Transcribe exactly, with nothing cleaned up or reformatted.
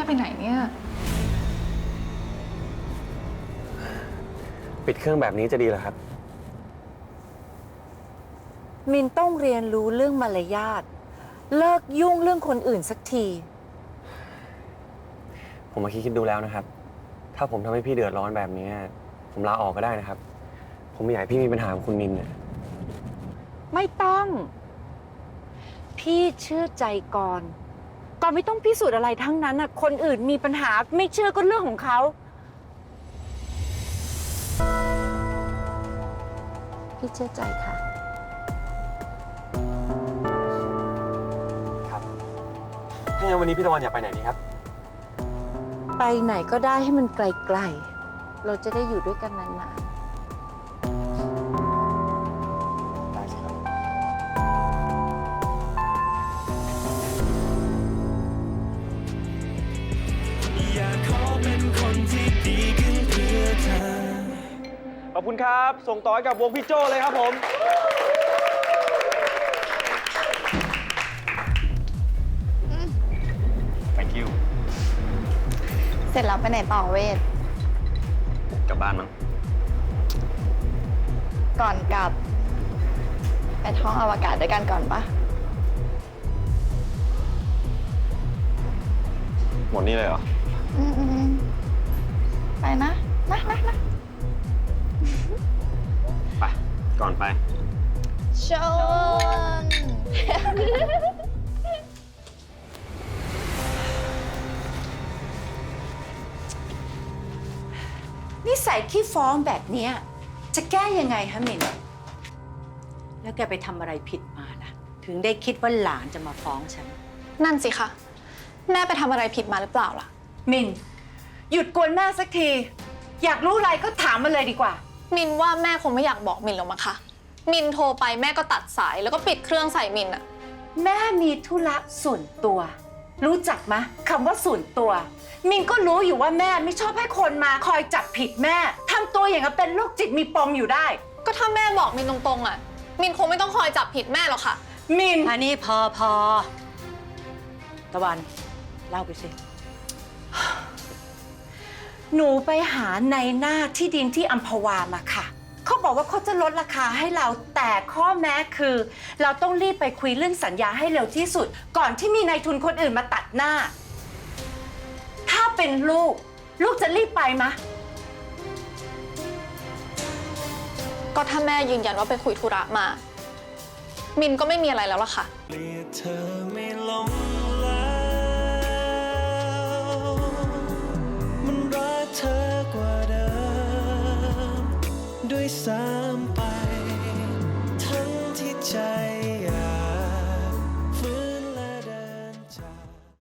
ไปไหนเนี่ยปิดเครื่องแบบนี้จะดีเหรอครับมินต้องเรียนรู้เรื่องมารยาทเลิกยุ่งเรื่องคนอื่นสักทีผมมาคิดคิดดูแล้วนะครับ ถ้าผมทำให้พี่เดือดร้อนแบบนี้ผมลาออกก็ได้นะครับ ผมไม่อยากให้พี่มีปัญหากับคุณมินเนี่ยไม่ต้อง พี่เชื่อใจก่อนก่อนไม่ต้องพิสูจน์อะไรทั้งนั้นน่ะคนอื่นมีปัญหาไม่เชื่อก็เรื่องของเขาพี่เชื่อใจค่ะครับถ้างั้นวันนี้พี่ตะวันอยากไปไหนดีครับไปไหนก็ได้ให้มันไกลๆเราจะได้อยู่ด้วยกันนานๆได้สิครับอยากขอเป็นคนที่ดีขึ้นเพื่อเธอขอบคุณครับส่งต่อให้กับวงพี่โจเลยครับผม thank you เสร็จแล้วไปไหนต่อเวทกลับบ้านมั้งก่อนกลับไปท่องอวกาศด้วยกันก่อนปะหมดนี่เลยเหรออืมไปนะนะนะนะไปก่อนไปชนนิสัยขี้ฟ้องแบบเนี้ยจะแก้ยังไงฮะมินแล้วแกไปทำอะไรผิดมาล่ะถึงได้คิดว่าหลานจะมาฟ้องฉันนั่นสิคะแม่ไปทำอะไรผิดมาหรือเปล่าล่ะมินหยุดกวนแม่สักทีอยากรู้อะไรก็ถามมาเลยดีกว่ามินว่าแม่คงไม่อยากบอกมินหรอกมั้งคะมินโทรไปแม่ก็ตัดสายแล้วก็ปิดเครื่องใส่มินอะแม่มีธุระส่วนตัวรู้จักไหมคำว่าส่วนตัวมินก็รู้อยู่ว่าแม่ไม่ชอบให้คนมาคอยจับผิดแม่ทำตัวอย่างกับเป็นโรคจิตมีปมอยู่ได้ก็ถ้าแม่บอกมินตรงๆอะมินคงไม่ต้องคอยจับผิดแม่หรอกค่ะมินอันนี้พอพอตะวันเล่าไปสิหนูไปหาในหน้าที่ดินที่อัมพวามาค่ะเขาบอกว่าเขาจะลดราคาให้เราแต่ข้อแม้คือเราต้องรีบไปคุยเรื่องสัญญาให้เร็วที่สุดก่อนที่มีนายทุนคนอื่นมาตัดหน้าถ้าเป็นลูกลูกจะรีบไปมะก็ถ้าแม่ยืนยันว่าไปคุยธุระมามินก็ไม่มีอะไรแล้วล่ะค่ะเกลียดเธอไม่ลง